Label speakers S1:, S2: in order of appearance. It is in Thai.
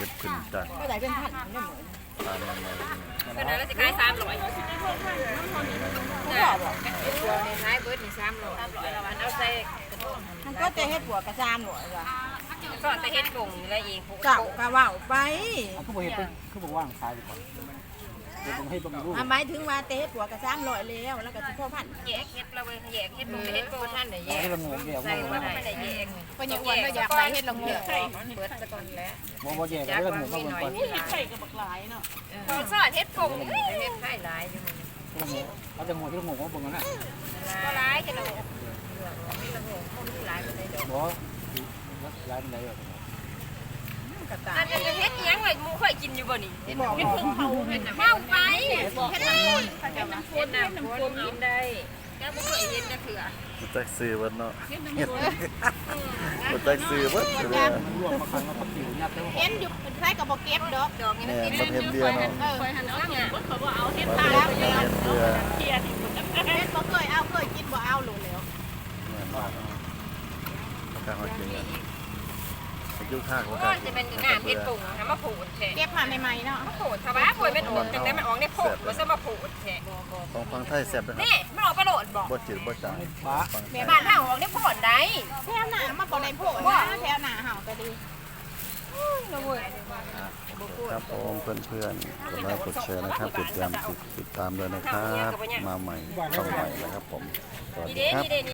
S1: ฮ็ดขึ้นจาก
S2: ก็ได้เป็นพันเนี่ยเหมือน
S1: ตามมันเลย
S3: ก็ได้แล้วสิขาย300เนี่ยตัวในท้ายเบิดนี่300แล้วมันเอาใส่
S2: มันก็จะเฮ็ดหัวกระซามหน่อยว่ะ
S3: ก็แต่เฮ็ดกงอะไรเอง
S2: เจ้ากะว่าวไป
S4: เขาบอกเห็นเป็นเขาบอกว่างขายดีกว่าเดี๋ยวผมให้บำรุง
S2: หมายถึงว่าเตะหัวกระซามลอยแล้วแล้วก็สิพ่อพัน
S3: แยกเฮ็ดเราแยกเฮ็ดบ่เฮ็ดโกท่านได้แยก
S4: ให้ละงงแยก
S3: ใส่
S4: ว่า
S3: ว่าได้แยก
S2: ก็ยังอ้วนว่าอยากได้เฮ็ดละงง
S3: เบิดซะก่อนแล้ว
S4: บ่แยกให้ละงงมาเบิ่งก่อน
S3: ใส่กับบักหลายเนาะพอสอนเฮ็ดกงเฮ็ดให้หลายอยู่
S4: ละงงเขาจะงงที่ละงงว่าเบิ่งกันนะ
S3: ก็หลายเฮ็ดละงมีละงบ่มีหลายบ่ได้ดอก
S4: บ่ร้านไหนแบบ
S3: อันจะเฮ็ดยังไงมูค่อยกินอยู่บ่นี่เฮ็ดเพิ่งเผาเฮ็ดเผาไปเฮ็ดน้ำคนเฮ็ดน้ำคนกินได้แกบ่เคยเฮ็ดจักเทื่อ
S1: บ่จักซื้อเบิดเนาะเฮ็ดบ่จักซื้อเบิดเลย
S4: มันรวมมาครั้งแล้วก็ผิวยัดแล้ว
S2: เห็นอยู่เป็นใครก็บ่เก็บดอก
S3: ดอกนี่
S1: แม่
S3: มันกิน
S1: มันเฮ็ดเดียวเนาะ
S3: คอยหันเอาเนี่ย
S1: เฮ็ดเพื่อ
S2: เฮ็ดบ่เคยเอาเคยกินบ่เอาโลแล้ว
S1: แม่นมากเนาะประกาศว่าจริงอ่ะอายุข้างประ
S3: ก็
S1: กาศ
S3: จะเป็นงานเฮ็ดปุ่งทำมาผูดแท้
S2: เก็บมาใหม่ๆเนาะ
S3: มาผูดชาวบ้านผูดเป็นออกจังได๋มันออกในโพดบ่ซะมาผูดแท้
S1: ของฟังไทยแซ่บนะครับ
S3: นี่มันออกกระโดดบ่
S1: บ่จืดบ่จาง
S4: ฟ้า
S1: ฟังไทย
S3: บ้านเฮาออกในโพดได้
S2: แถวหน้ามาบ่ได้โพดนะแถวหน้าเฮาก็ดี
S1: ครับผมเพื่อนๆกดไลค์กดแชร์นะครับติดตามด้วยนะครับมาใหม่เข้าใหม่นะครับผมสวัสดี
S3: นี่
S1: ครับ
S3: เด้